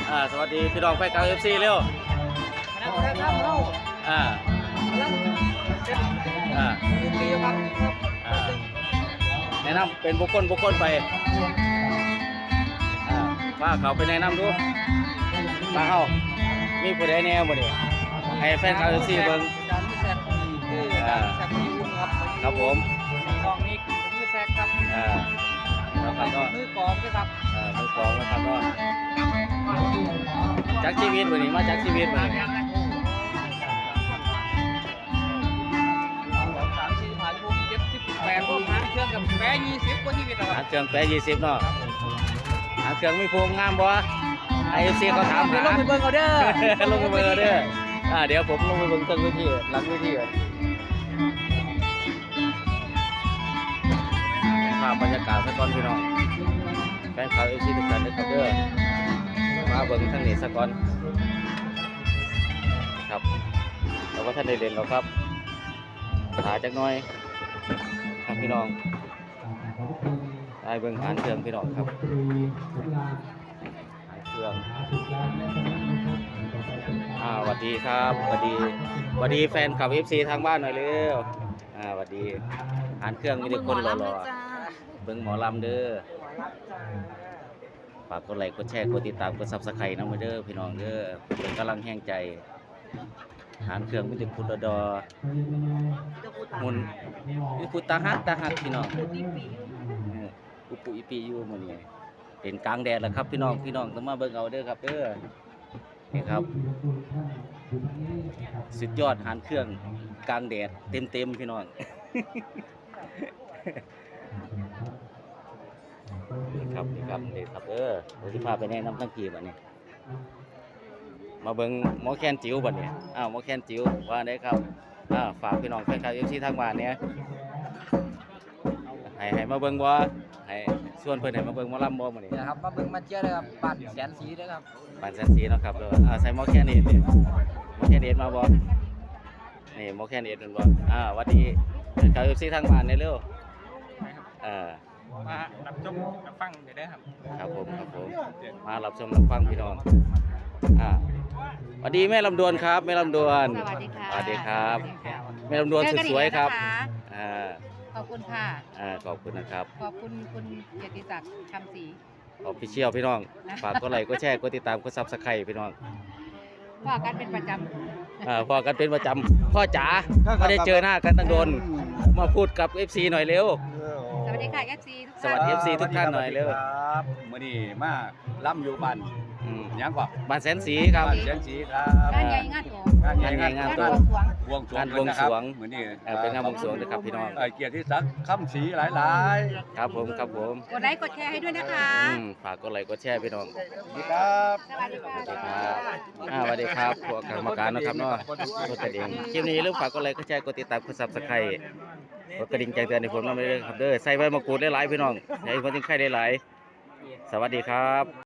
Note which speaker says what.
Speaker 1: สวัสดีพี่น้องแฟนคลับFC เร็วอ่าอ่าแนะนำเป็นบุคคลไปว่าเขาไปแนะนำดูมาเฮามีผู้ใดแนวบ่นี่ให้แฟนคลับFC เบิ่งครับผม
Speaker 2: กองนี้มือแซกครับ
Speaker 1: แล้วครับก็
Speaker 2: มือกองด้วยครับ
Speaker 1: มือกองนะครับก็จักชีวิตบ่นี่มาจักชีวิตบ่นี่
Speaker 2: 8 ผมหาเครื่องกับแปะ20กว่าชีวิตแล้วครับ
Speaker 1: หาเครื่องแปะ20เนาะหาเครื่องมีพวงงามบ่FC เขาถามหา
Speaker 2: ลงไปเบิ่งเอาเด้อ
Speaker 1: ลงไปเบิ่งเอาเด้อเดี๋ยวผมลงไปเบิ่งเครื่องวิธีหลังวิธีภาพบรรยากาศซะก่อนพี่น้องแฟนคลับ FC ทุกท่านนะครับเด้อมาเบิ่งทางนี้ซะก่อนครับเราก็ท่านได้เล่นแล้วครับหาจักหน่อยครับพี่น้องได้เบิ่งหานเครื่องพี่น้องครับเครื่องสวัสดีครับสวัสดีแฟนคลับ FC ทางบ้านหน่อยเร็วสวัสดีหานเครื่องมีแต่คนหล่อๆเบิ่งหมอลำเด้อฝากกดไลค์กดแชร์กดติดตามกด Subscribe นำเด้อพี่น้องเด้อเป็นกำลังแห่งใจหานเครื่องมีแต่พุทธดอมุนมีพุทธหักพี่น้องอุปุอีปีอยู่มื้อนี้เป็นกลางแดดแล้วครับพี่น้องต้องมาเบิ่งเอาเด้อครับเด้อนี่ครับสุดยอดหานเครื่องกลางแดดเต็มพี่น้องนี่ครับเดี๋ยวสิพาไปแนะนำทั้งทีบัดนี้มาเบิ่งหมอแคนจิ๋วบัดนี้หมอแคนจิ๋วว่าได้ครับฝากพี่น้องแฟนคลับ FC ทางบ้านเนี่ยให้มาเบิ่งบ่ให้ส่วนเพิ่นให้มาเบิ่งหมอลำบ่มื้อนี้
Speaker 2: นะครับมาเบิ่งมาเจอเลยครับบ้านแสนสีเด้อครับ
Speaker 1: บ้านแสนสีเนาะครับใส่หมอแคนเอ็ดนี่หมอแคนเอ็ดมาบ่นี่หมอแคนเอ็ดนั่นบ่หวัดดีแฟนคลับ FC ทางบ้านเร็ว
Speaker 2: มารับชมรับฟังเดี๋ยวได้ครับ
Speaker 1: ครับผมมารับชมรับฟังพี่น้องสวัสดีแม่ลำดวนครับแม่ลำดวน
Speaker 3: สวัสดีค่ะ
Speaker 1: สวัสดีครับแม่ลำดวนสวยๆครับ
Speaker 3: ขอบคุณค่ะ
Speaker 1: ขอบคุณนะครับ
Speaker 3: ขอบคุณคุณเกียรติศักดิ์คำศรี
Speaker 1: Official พี่น้องฝากกดไลค์กดแชร์กดติดตามกด Subscribe พี่น้อง
Speaker 3: พ่อกันเป็นประจ
Speaker 1: ำพ่อกันเป็นประจำพ่อจ๋าไม่ได้เจอหน้ากันตั้งโดนมาพูดกับ FC หน่อยเร็ว
Speaker 3: สวัสดีค่ะ FC
Speaker 1: สวัสดี FC ทุกท่านหน่อยเร็ว
Speaker 4: ครับมื้อนี้มาล่ำอยู่บ้านยังกว่า
Speaker 1: บ้านแสนสีครับ
Speaker 4: แสนสีครับ
Speaker 3: งานใหญ่งานโต
Speaker 1: บวงสรวง
Speaker 4: มื้อนี้
Speaker 1: เป็นงานบวงสรวงนะครับพี่น้อง
Speaker 4: เกียรติศักดิ์คำศรีหลาย
Speaker 1: ๆครับผม
Speaker 3: กดไลค์กดแชร์ให้ด้วยนะคะ
Speaker 1: ฝากกดไลค์กดแชร์พี่น้อง
Speaker 4: สวัสดีครับ
Speaker 3: สวัสดีค่ะ
Speaker 1: สวัสดีครับพวกกรรมการนะครับเนาะกดกระดิ่งคลิปนี้ลืมฝากกดไลค์กดแชร์กดติดตามกด Subscribe กดกระดิ่งแจ้งเตือนให้ผมนำด้วยครับเด้อใส่ใบมะกรูดได้หลายพี่น้องให้คนที่ใครได้หลายสวัสดีครับ